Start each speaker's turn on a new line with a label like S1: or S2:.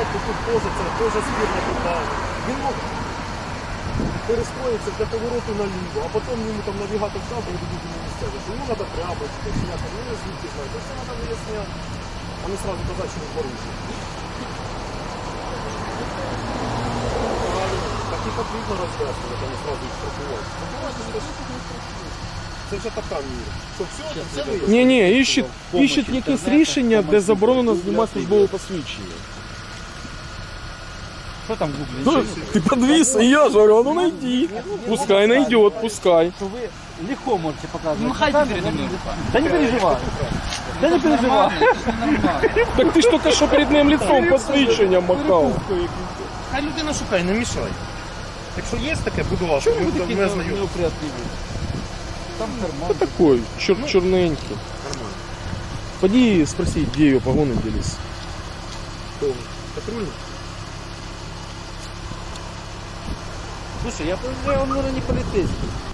S1: стоять, то тут теж збірна питання. Він мог перестроїтися для повороту наліво, а потім йому там навігатор став, і буде місцевий, що йому треба тряпочку, сняти, ну я звідки знаю, це все треба виясняти, а не сразу казати, що він порушив. Правильно, так і потрібно роз'яснювати, а не сразу їх штрафувати. Це вже така міра. Що все вияснює?
S2: Ні, іщуть якесь рішення, де заборонено знімати службове посвідчення.
S3: Що там в гуглі?
S2: Ну, ти подвис, і я ж говорю, ну найди. Пускай найдет, пускай.
S3: Що ви легко можете показувати.
S4: Махайте передо мною.
S3: Да не переживай. Да не переживай.
S2: Так ти ж тільки що перед ним лицом посвідчення махав.
S1: Хай людина шукає, не мішай. Якщо є таке, будь ласка, ми знайомі.
S3: Там карман.
S2: Кто такой? Черненький.
S1: Нормально.
S2: Поди спроси, где ее погоны делись.
S1: Патрульний?
S3: Слушай, я подозреваю, он, наверное, не полицейский.